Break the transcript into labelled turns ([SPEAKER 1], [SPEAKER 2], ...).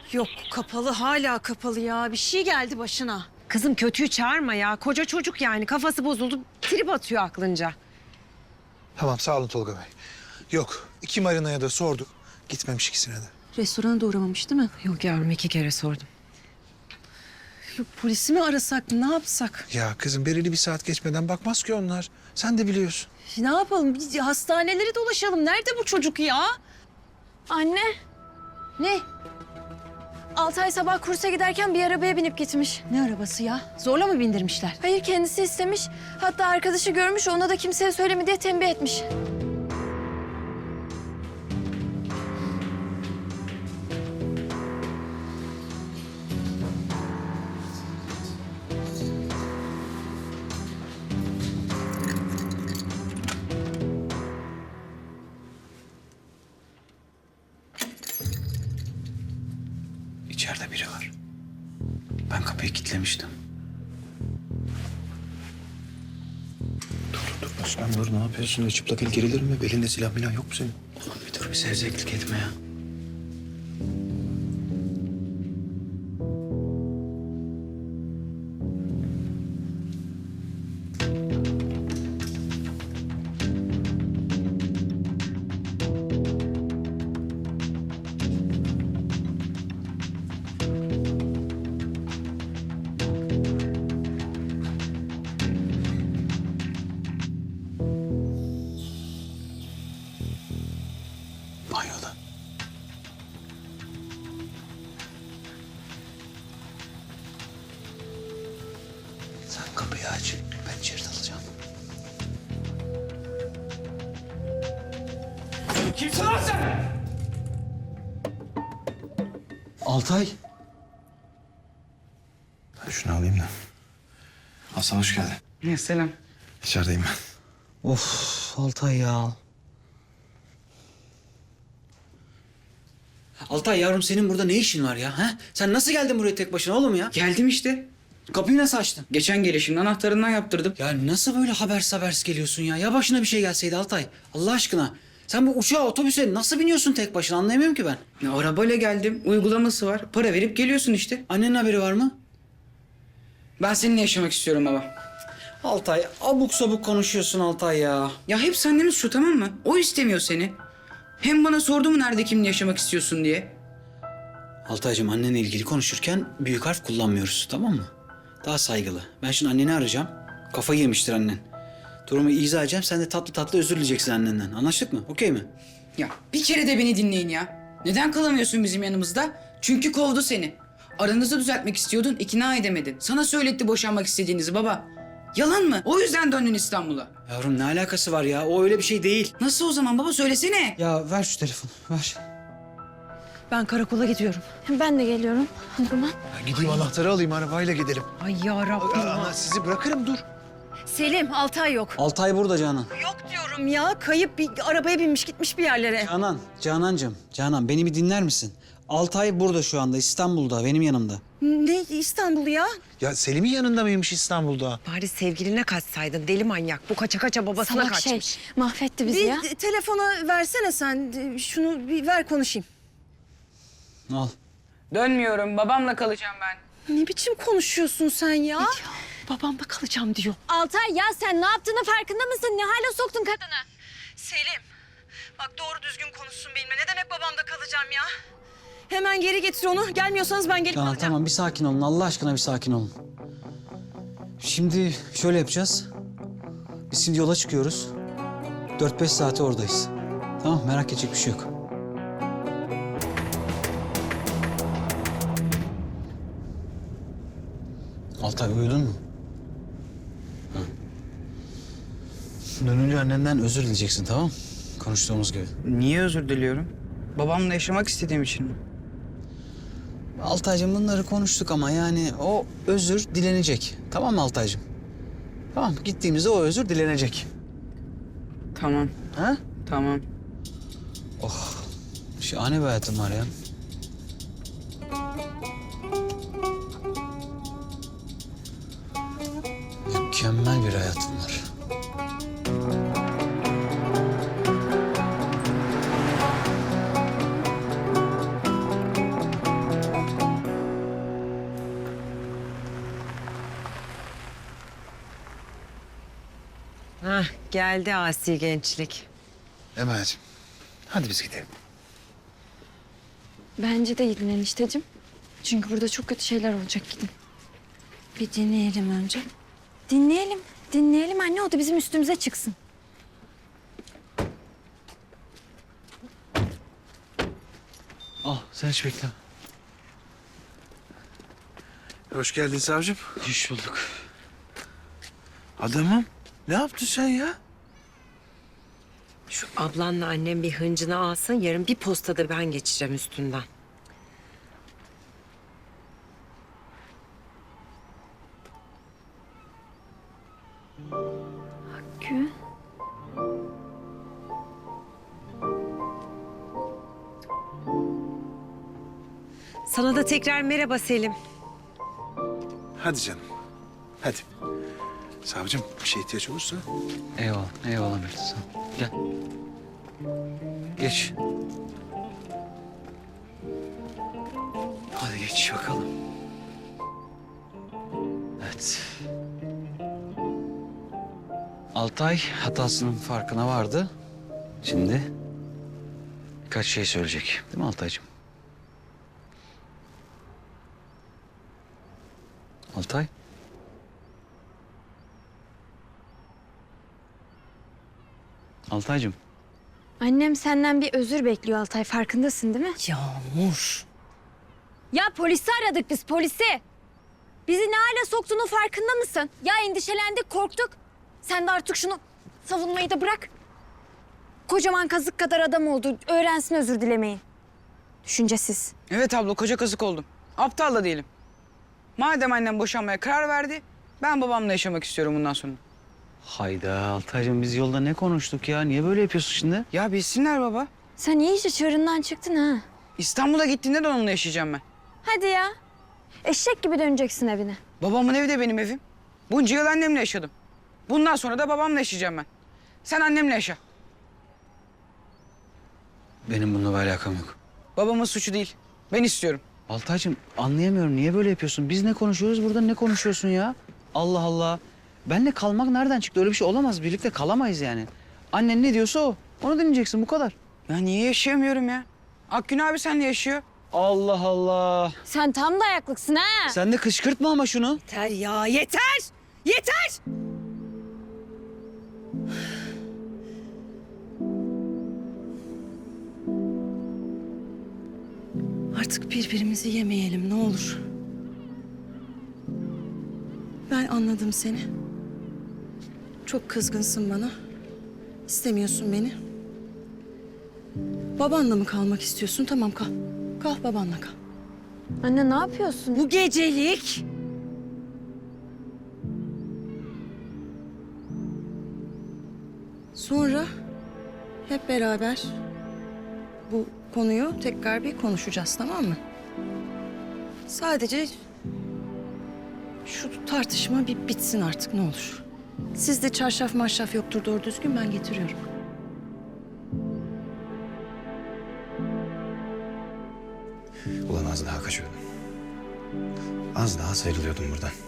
[SPEAKER 1] Yok kapalı, hala kapalı ya. Bir şey geldi başına.
[SPEAKER 2] Kızım kötüyü çağırma ya. Koca çocuk yani. Kafası bozuldu. Trip atıyor aklınca.
[SPEAKER 3] Tamam sağ olun Tolga Bey. Yok 2 marinaya da sorduk. Gitmemiş ikisine de.
[SPEAKER 1] Restorana da uğramamış değil mi?
[SPEAKER 2] Yok yavrum 2 kere sordum.
[SPEAKER 1] Yok polisi mi arasak, ne yapsak?
[SPEAKER 3] Ya kızım belirli bir saat geçmeden bakmaz ki onlar. Sen de biliyorsun.
[SPEAKER 1] Ne yapalım? Biz hastaneleri dolaşalım. Nerede bu çocuk ya?
[SPEAKER 4] Anne,
[SPEAKER 1] Ne?
[SPEAKER 4] Altay sabah kursa giderken bir arabaya binip gitmiş.
[SPEAKER 1] Ne arabası ya? Zorla mı bindirmişler?
[SPEAKER 4] Hayır, kendisi istemiş. Hatta arkadaşı görmüş, ona da kimseye söyleme diye tembih etmiş.
[SPEAKER 5] İçeride biri var. Ben kapıyı kilitlemiştim. Dur Osman dur ne yapıyorsun? Öyle çıplak el gerilir mi? Belinde silah milah yok mu senin? Oğlum bir dur bir sevzeklik etme ya. Banyoda. Sen kapıyı aç. Ben içeri dalacağım.
[SPEAKER 6] Kimsin lan sen?
[SPEAKER 5] Altay. Ben şunu alayım da. Hasan hoş geldin.
[SPEAKER 6] Ya selam.
[SPEAKER 5] İçerideyim ben. Of Altay ya. Altay yavrum senin burada ne işin var ya? Ha? Sen nasıl geldin buraya tek başına oğlum ya?
[SPEAKER 6] Geldim işte.
[SPEAKER 5] Kapıyı nasıl açtın?
[SPEAKER 6] Geçen gelişimde anahtarından yaptırdım.
[SPEAKER 5] Ya nasıl böyle habersiz geliyorsun ya? Ya başına bir şey gelseydi Altay. Allah aşkına. Sen bu uçağa, otobüse nasıl biniyorsun tek başına anlayamıyorum ki ben.
[SPEAKER 6] Ya arabayla geldim. Uygulaması var. Para verip geliyorsun işte.
[SPEAKER 5] Annenin haberi var mı?
[SPEAKER 6] Ben seninle yaşamak istiyorum baba.
[SPEAKER 5] Altay abuk sabuk konuşuyorsun Altay ya.
[SPEAKER 6] Ya hep annemiz şu, tamam mı? O istemiyor seni. Hem bana sordu mu nerede kimle yaşamak istiyorsun diye.
[SPEAKER 5] Altaycığım annenle ilgili konuşurken büyük harf kullanmıyoruz tamam mı? Daha saygılı. Ben şimdi anneni arayacağım. Kafayı yemiştir annen. Durumu izah edeceğim. Sen de tatlı tatlı özür dileyeceksin annenden. Anlaştık mı? Okey mi?
[SPEAKER 6] Ya bir kere de beni dinleyin ya. Neden kalamıyorsun bizim yanımızda? Çünkü kovdu seni. Aranızı düzeltmek istiyordun, ikna edemedin. Sana söyletti boşanmak istediğinizi baba. Yalan mı? O yüzden döndün İstanbul'a.
[SPEAKER 5] Yavrum ne alakası var ya? O öyle bir şey değil.
[SPEAKER 6] Nasıl o zaman baba, söylesene.
[SPEAKER 5] Ya ver şu telefonu. Ver.
[SPEAKER 1] Ben karakola gidiyorum.
[SPEAKER 4] Ben de geliyorum o zaman.
[SPEAKER 3] Ya gideyim anahtarı alayım arabayla gidelim.
[SPEAKER 2] Ay yarabbim.
[SPEAKER 3] Ama sizi bırakırım dur.
[SPEAKER 1] Selim, Altay yok.
[SPEAKER 5] Altay burada Canan.
[SPEAKER 1] Yok diyorum ya. Kayıp bir arabaya binmiş gitmiş bir yerlere.
[SPEAKER 5] Canan beni bir dinler misin? Altay burada şu anda İstanbul'da benim yanımda.
[SPEAKER 1] Ne İstanbul ya?
[SPEAKER 3] Ya Selim'in yanında mıymış İstanbul'da?
[SPEAKER 2] Bari sevgiline kaçsaydın deli manyak. Bu kaça kaça babasına
[SPEAKER 4] Salak
[SPEAKER 2] kaçmış.
[SPEAKER 4] şey, mahvetti bizi
[SPEAKER 1] Bir
[SPEAKER 4] ya.
[SPEAKER 1] telefona versene sen. Şunu bir ver konuşayım.
[SPEAKER 5] Al.
[SPEAKER 6] Dönmüyorum, babamla kalacağım ben.
[SPEAKER 1] Ne biçim konuşuyorsun sen ya? Babamda kalacağım diyor.
[SPEAKER 4] Altay ya sen ne yaptığını farkında mısın? Ne hale soktun kadını?
[SPEAKER 1] Selim, bak doğru düzgün konuşsun benimle. Ne demek babamda kalacağım ya? Hemen geri getir onu. Gelmiyorsanız ben gelip
[SPEAKER 5] Canan
[SPEAKER 1] alacağım.
[SPEAKER 5] tamam bir sakin olun. Allah aşkına bir sakin olun. Şimdi şöyle yapacağız. Biz şimdi yola çıkıyoruz. 4-5 saate oradayız. Tamam merak edecek bir şey yok. Altay uyudun mu? Ha. Dönünce annenden özür dileyeceksin tamam mı? Konuştuğumuz gibi.
[SPEAKER 6] Niye özür diliyorum? Babamla yaşamak istediğim için mi?
[SPEAKER 5] Altaycığım bunları konuştuk ama yani o özür dilenecek. Tamam mı Altaycığım? Tamam gittiğimizde o özür dilenecek.
[SPEAKER 6] Tamam,
[SPEAKER 5] Ha?
[SPEAKER 6] tamam.
[SPEAKER 5] Şahane bir hayatım var ya. Mükemmel bir hayatım var.
[SPEAKER 2] Geldi asi gençlik.
[SPEAKER 3] Emel'ciğim hadi biz gidelim.
[SPEAKER 4] Bence de gidin enişteciğim. Çünkü burada çok kötü şeyler olacak, gidin. Bir dinleyelim önce. Dinleyelim. Dinleyelim anne, o da bizim üstümüze çıksın.
[SPEAKER 5] Al sen hiç bekle.
[SPEAKER 7] Hoş geldin savcım.
[SPEAKER 5] Hoş bulduk.
[SPEAKER 7] Adamım, ne yaptın sen ya?
[SPEAKER 2] Şu ablanla annem bir hıncını alsın. Yarın bir postada ben geçeceğim üstünden.
[SPEAKER 4] Gün.
[SPEAKER 2] Sana da tekrar merhaba Selim.
[SPEAKER 7] Hadi canım, hadi. Savcım, bir şey ihtiyaç olursa...
[SPEAKER 5] Eyvallah, eyvallah Mert. Sağ ol. Gel. Geç. Hadi geç bakalım. Evet. Altay hatasının farkına vardı. Şimdi birkaç şey söyleyecek. Değil mi Altaycığım? Altay? Altaycığım.
[SPEAKER 4] Annem senden bir özür bekliyor Altay, farkındasın değil mi?
[SPEAKER 2] Yağmur.
[SPEAKER 4] Ya polisi aradık biz, polisi. Bizi ne hale soktuğunun farkında mısın? Ya endişelendik, korktuk. Sen de artık şunu savunmayı da bırak. Kocaman kazık kadar adam oldu. Öğrensin özür dilemeyi. Düşüncesiz.
[SPEAKER 6] Evet abla, koca kazık oldum. Aptal da değilim. Madem annem boşanmaya karar verdi, ben babamla yaşamak istiyorum bundan sonra.
[SPEAKER 5] Hayda Altaycığım biz yolda ne konuştuk ya? Niye böyle yapıyorsun şimdi?
[SPEAKER 6] Ya bilsinler baba.
[SPEAKER 4] Sen iyice çığırından çıktın ha.
[SPEAKER 6] İstanbul'a gittiğinde de onunla yaşayacağım ben.
[SPEAKER 4] Hadi ya. Eşek gibi döneceksin evine.
[SPEAKER 6] Babamın evi de benim evim. Bunca yıl annemle yaşadım. Bundan sonra da babamla yaşayacağım ben. Sen annemle yaşa.
[SPEAKER 5] Benim bununla bir alakam yok.
[SPEAKER 6] Babamın suçu değil. Ben istiyorum.
[SPEAKER 5] Altaycığım anlayamıyorum. Niye böyle yapıyorsun? Biz ne konuşuyoruz burada ne konuşuyorsun ya? Allah Allah. Benle kalmak nereden çıktı? Öyle bir şey olamaz. Birlikte kalamayız yani. Annen ne diyorsa o. Onu dinleyeceksin bu kadar.
[SPEAKER 6] Ya niye yaşayamıyorum ya? Akgün abi seninle yaşıyor.
[SPEAKER 5] Allah Allah.
[SPEAKER 4] Sen tam dayaklıksın ha.
[SPEAKER 5] Sen de kışkırtma ama şunu.
[SPEAKER 2] Yeter ya, yeter! Yeter! Artık birbirimizi yemeyelim ne olur. Ben anladım seni. Çok kızgınsın bana. İstemiyorsun beni. Babanla mı kalmak istiyorsun? Tamam kal. Kal babanla kal.
[SPEAKER 4] Anne ne yapıyorsun?
[SPEAKER 2] Bu gecelik. Sonra hep beraber bu konuyu tekrar bir konuşacağız, tamam mı? Sadece şu tartışma bir bitsin artık ne olur. Sizde çarşaf marşaf yoktur doğru düzgün, ben getiriyorum.
[SPEAKER 8] Ulan az daha kaçıyordum. Az daha sıyrılıyordum buradan.